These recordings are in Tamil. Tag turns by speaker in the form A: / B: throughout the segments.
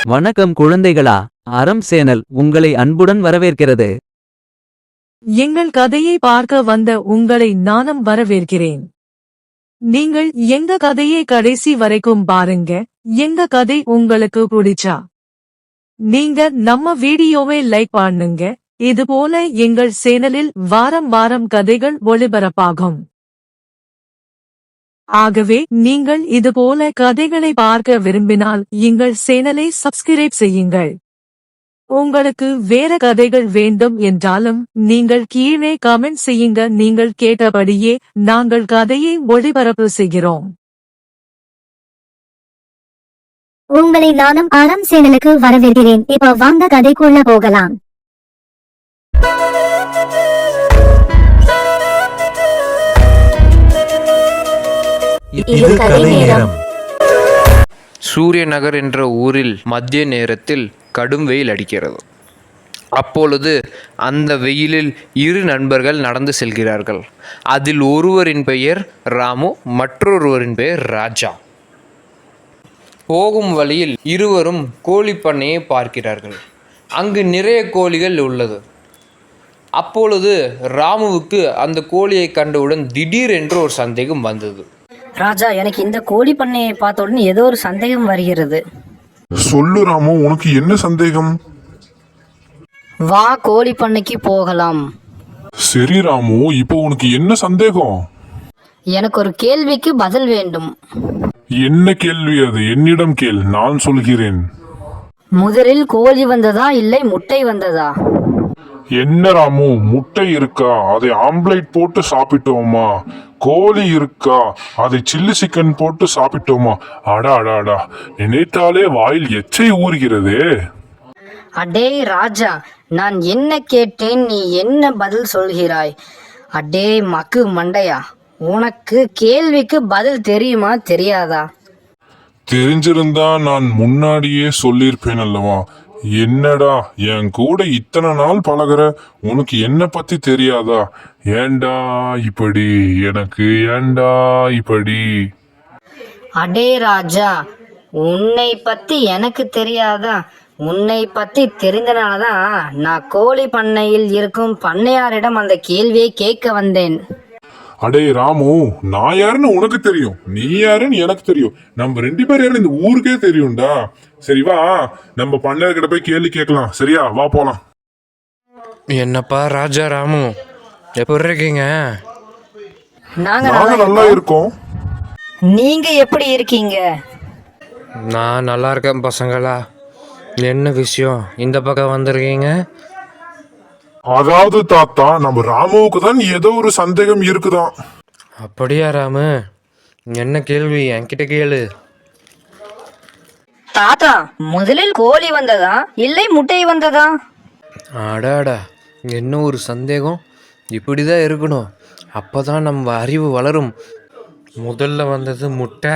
A: வணக்கம் குழந்தைகளா. அறம் சேனல் உங்களை அன்புடன் வரவேற்கிறது.
B: எங்கள் கதையை பார்க்க வந்த உங்களை நானும் வரவேற்கிறேன். நீங்கள் எங்க கதையை கடைசி வரைக்கும் பாருங்க. எங்க கதை உங்களுக்கு பிடிச்சா நீங்க நம்ம வீடியோவை லைக் பண்ணுங்க. இதுபோல எங்கள் சேனலில் வாரம் வாரம் கதைகள் ஒளிபரப்பாகும். ஆகவே நீங்கள் இதுபோல கதைகளை பார்க்க விரும்பினால் எங்கள் சேனலை சப்ஸ்கிரைப் செய்யுங்கள். உங்களுக்கு வேற கதைகள் வேண்டும் என்றாலும் நீங்கள் கீழே கமெண்ட் செய்யுங்க. நீங்கள் கேட்டபடியே நாங்கள் கதையை ஒளிபரப்பு செய்கிறோம்.
C: உங்களை நானும் அறம் சேனலுக்கு வரவேற்கிறேன். இப்ப வாங்க கதைக்குள்ள போகலாம்.
A: இது கதை நேரம்.
D: சூரியநகர் என்ற ஊரில் மதிய நேரத்தில் கடும் வெயில் அடிக்கிறது. அப்பொழுது அந்த வெயிலில் இரு நண்பர்கள் நடந்து செல்கிறார்கள். அதில் ஒருவரின் பெயர் ராமு, மற்றொருவரின் பெயர் ராஜா. போகும் வழியில் இருவரும் கோழி பண்ணையை பார்க்கிறார்கள். அங்கு நிறைய கோழிகள் உள்ளது. அப்பொழுது ராமுவுக்கு அந்த கோழியை கண்டவுடன் திடீரென்று ஒரு சந்தேகம் வந்தது.
E: ராஜா, எனக்கு இந்த கோழி பண்ணையை பார்த்த உடனே ஏதோ ஒரு சந்தேகம் வருகிறது.
F: சொல்லு ராமு, உனக்கு என்ன சந்தேகம்?
E: வா, கோழி பண்ணைக்கு போகலாம்.
F: சரி ராமு, இப்போ உனக்கு என்ன சந்தேகம்?
E: எனக்கு ஒரு கேள்விக்கு பதில் வேண்டும்.
F: என்ன கேள்வி அது? என்னிடம் கேள், நான் சொல்கிறேன்.
E: முதலில் கோழி வந்ததா இல்லை முட்டை வந்ததா?
F: என்ன ராமு, முட்டை இருக்கா அதை ஆம்லேட் போட்டு சாப்பிட்டோமா? கோழி இருக்கா அதை சில்லி சிக்கன் போட்டு சாப்பிட்டோமா? அடா அடா அடா, நினைத்தாலே வாயில் எச்சை ஊறுகிறதே.
E: அடே ராஜா, நான் என்ன கேட்டேன், நீ என்ன பதில் சொல்கிறாய்? அடே மக்கு மண்டையா, உனக்கு கேள்விக்கு பதில் தெரியுமா தெரியாதா?
F: தெரிஞ்சிருந்தா நான் முன்னாடியே சொல்லியிருப்பேன் அல்லவா? என்னடா என் கூட இத்தனை நாள் பழகுற, உனக்கு என்ன பத்தி தெரியாதா? ஏண்டா இப்படி, எனக்கு ஏண்டா இப்படி?
E: அடே ராஜா, உன்னை பத்தி எனக்கு தெரியாதா? உன்னை பத்தி தெரிந்தனாலதான் நான் கோழி பண்ணையில் இருக்கும் பண்ணையாரிடம் அந்த கேள்வியை கேட்க வந்தேன்.
F: அடே ராமு, நான் யாருன்னு உனக்கு தெரியும், நீ யாருன்னு எனக்கு தெரியும். நம்ம ரெண்டு பேரும் யாரும் இந்த ஊருக்கே தெரியும்டா. சரி வா, நம்ம பண்ணையார்கிட்ட போய் கேள்வி கேட்கலாம். சரியா, வா போலாம்.
D: என்னப்பா ராஜா, ராமு எப்படி இருக்கீங்க?
E: நாங்க
F: நல்லா இருக்கோம்.
E: நீங்க எப்படி இருக்கீங்க?
D: நான் நல்லா இருக்கேன் பசங்களா. என்ன விஷயம் இந்த பக்கம் வந்திருக்கீங்க?
F: அதாவது தாத்தா, நம்ம ராமுவுக்கு தான் ஏதோ ஒரு சந்தேகம் இருக்குதான்.
D: அப்படியா ராமு? என்ன கேள்வி என்கிட்ட கேளு.
E: தாத்தா, முதலில் கோழி வந்ததா இல்லை முட்டை வந்ததா?
D: அடாடா, என்ன ஒரு சந்தேகம்! இப்படிதான் இருக்கணும், அப்பதான் நம்ம அறிவு வளரும். முதல்ல வந்தது முட்டை.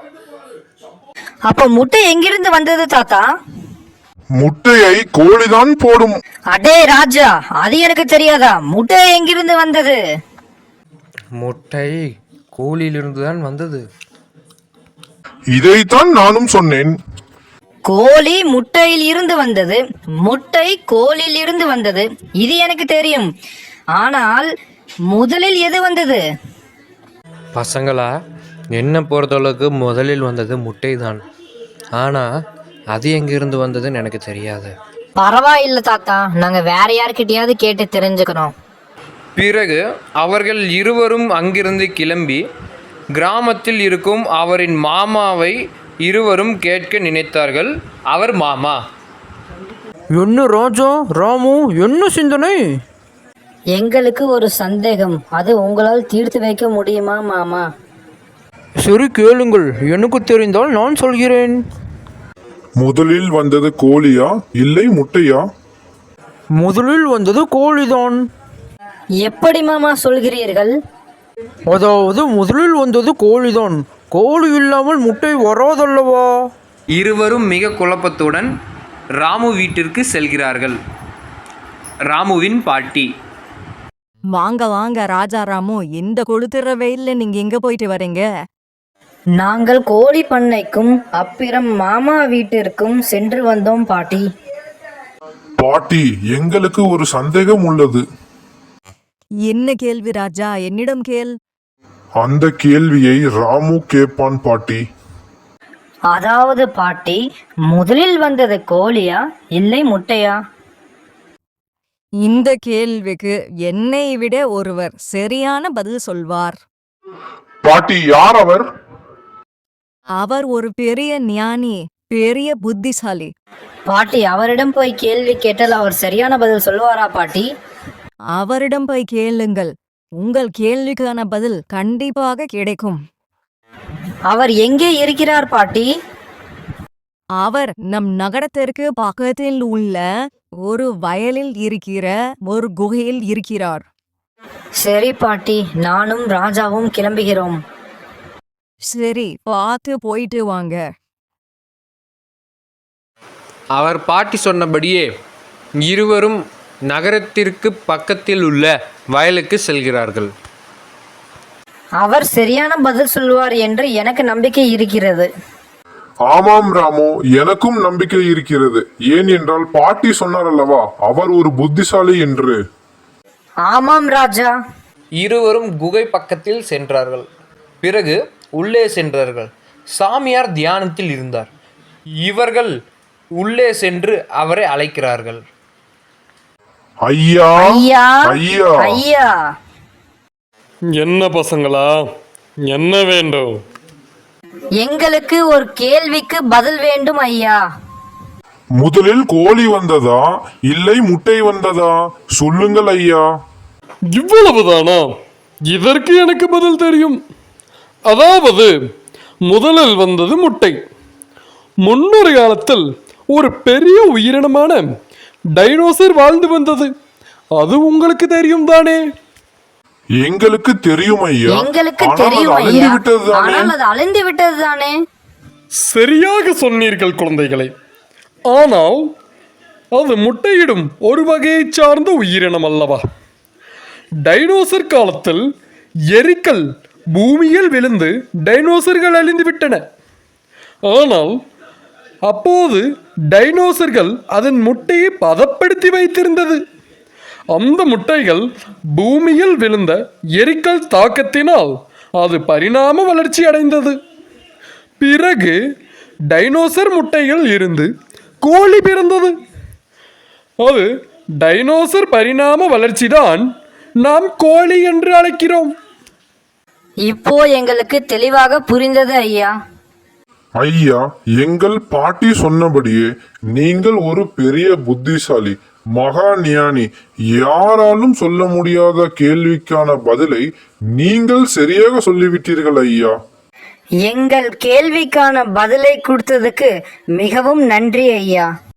E: அப்ப முட்டை எங்கிருந்து வந்தது தாத்தா?
F: முட்டையை கோழிதான் போடும்.
E: அடே ராஜா, அது எனக்கு தெரியாதா? முட்டை எங்கிருந்து வந்தது?
D: முட்டை கோழியிலிருந்து தான் வந்தது.
F: இதைத்தான் நானும் சொன்னேன்.
E: கோழி முட்டையில் இருந்து வந்தது, முட்டை கோழியில் இருந்து வந்தது, இது எனக்கு தெரியும். ஆனால் முதலில் எது வந்தது?
D: பசங்களா, என்ன பொறுத்தளவுக்கு முதலில் வந்தது முட்டை தான். ஆனால் அது எங்கிருந்து வந்ததுன்னு எனக்கு தெரியாது.
E: பரவாயில்ல தாத்தா, நாங்க வேற யார்கிட்டயாவது கேட்டு தெரிஞ்சுக்கிறோம்.
D: பிறகு அவர்கள் இருவரும் அங்கிருந்து கிளம்பி கிராமத்தில் இருக்கும் அவரின் மாமாவை இருவரும் கேட்க நினைத்தார்கள். அவர் மாமா,
G: என்ன ராஜா, ராமு, என்ன சிந்தனை?
E: எங்களுக்கு ஒரு சந்தேகம், அது உங்களால் தீர்த்து வைக்க முடியுமா மாமா?
G: சரி கேளுங்கள், எனக்கு தெரிந்தால் நான் சொல்கிறேன்.
F: முதலில் வந்தது கோழியா இல்லை முட்டையா?
G: முதலில் வந்தது கோழிதான்.
E: எப்படி மாமா சொல்கிறீர்கள்?
G: அதாவது முதலில் வந்தது கோழிதான். கோழி இல்லாமல் முட்டை வராதல்லவா?
D: இருவரும் மிக குழப்பத்துடன் ராமு வீட்டிற்கு செல்கிறார்கள். ராமுவின் பாட்டி,
H: வாங்க வாங்க ராஜா ராமு, இந்த கொளுத்துற வெயில்ல நீங்க எங்க போயிட்டு வரீங்க?
E: நாங்கள் கோழி பண்ணைக்கும் அப்புறம் மாமா வீட்டிற்கும் சென்று வந்தோம் பாட்டி.
F: பாட்டி, எங்களுக்கு ஒரு சந்தேகம் உள்ளது.
H: என்ன கேள்வி ராஜா, என்னிடம் கேள்.
F: அந்த கேள்வியை ராமு கேட்பான் பாட்டி.
E: அதாவது பாட்டி, முதலில் வந்தது கோழியா இல்லை முட்டையா?
H: இந்த கேள்விக்கு என்னை விட ஒருவர் சரியான பதில் சொல்வார்.
F: பாட்டி, யார் அவர்?
H: அவர் ஒரு பெரிய ஞானி, பெரிய புத்திசாலி.
E: பாட்டி, அவரிடம் போய் கேள்வி கேட்டால் அவர் சரியான பதில் சொல்லுவாரா பாட்டி?
H: அவரிடம் போய் கேளுங்கள், உங்கள் கேள்விக்கான பதில் கண்டிப்பாக கிடைக்கும்.
E: அவர் எங்கே இருக்கிறார் பாட்டி?
H: அவர் நம் நகரத்திற்கு பக்கத்தில் உள்ள ஒரு வயலில் இருக்கிற ஒரு குகையில் இருக்கிறார்.
E: சரி பாட்டி, நானும் ராஜாவும் கிளம்புகிறோம்.
H: சரி, பார்த்து போயிட்டு வாங்க.
D: அவர் பாட்டி சொன்னபடியே இருவரும் நகரத்திற்கு பக்கத்தில் உள்ள வயலுக்கு செல்கிறார்கள்.
E: அவர் சரியான பதில் சொல்வார் என்று எனக்கு நம்பிக்கை இருக்கிறது.
F: ஆமாம் ராமு, எனக்கும் நம்பிக்கை இருக்கிறது. ஏன் என்றால் பாட்டி சொன்னார் அல்லவா, அவர் ஒரு புத்திசாலி என்று.
E: ஆமாம் ராஜா.
D: இருவரும் குகை பக்கத்தில் சென்றார்கள். பிறகு உள்ளே சென்றார்கள். சாமியார் தியானத்தில் இருந்தார். இவர்கள் உள்ளே சென்று அவரை அழைக்கிறார்கள்.
F: ஐயா,
E: ஐயா,
F: ஐயா,
E: ஐயா.
I: என்ன பசங்களா, என்ன வேண்டும்?
E: எங்களுக்கு ஒரு கேள்விக்கு பதில் வேண்டும் ஐயா.
F: முதலில் கோழி வந்ததா இல்லை முட்டை வந்ததா? சொல்லுங்கள் ஐயா.
I: இவ்வளவுதானா? இதற்கு எனக்கு பதில் தெரியும். அதாவது முதலில் வந்தது முட்டை. முன்னொரு காலத்தில் ஒரு பெரிய உயிரினமான டைனோசர் வாழ்ந்து வந்தது. அது உங்களுக்கு தெரியும் தானே?
F: எங்களுக்கு தெரியும் ஐயா.
E: எங்களுக்கு
F: ஆனால்
E: தெரியும்
F: அது அழிந்து
E: ஐயா.
F: விட்டது தானே?
E: ஆனால் அது அழிந்து விட்டது தானே?
I: சரியாக சொன்னீர்கள் குழந்தைகளை. ஆனால் அது முட்டையிடும் ஒரு வகையை சார்ந்த உயிரினம் அல்லவா? டைனோசர் காலத்தில் எரிக்கல் பூமியில் விழுந்து டைனோசர்கள் அழிந்து விட்டன. ஆனால் அப்போது டைனோசர்கள் அதன் முட்டையை பதப்படுத்தி வைத்திருந்தது. அந்த முட்டைகள் பூமியில் விழுந்த எரிக்கல் தாக்கத்தினால் அது பரிணாம வளர்ச்சி அடைந்தது. பிறகு டைனோசர் முட்டையில் இருந்து கோழி பிறந்தது. அது டைனோசர் பரிணாம வளர்ச்சிதான் நாம் கோழி என்று அழைக்கிறோம்.
E: இப்போ எங்களுக்கு தெளிவாக புரிந்தது ஐயா.
F: ஐயா, எங்கள் பாட்டி சொன்னபடியே நீங்கள் ஒரு பெரிய புத்திசாலி, மகா ஞானி. யாராலும் சொல்ல முடியாத கேள்விக்கான பதிலை நீங்கள் சரியாக சொல்லிவிட்டீர்கள் ஐயா.
E: எங்கள் கேள்விக்கான பதிலை கொடுத்ததுக்கு மிகவும் நன்றி ஐயா.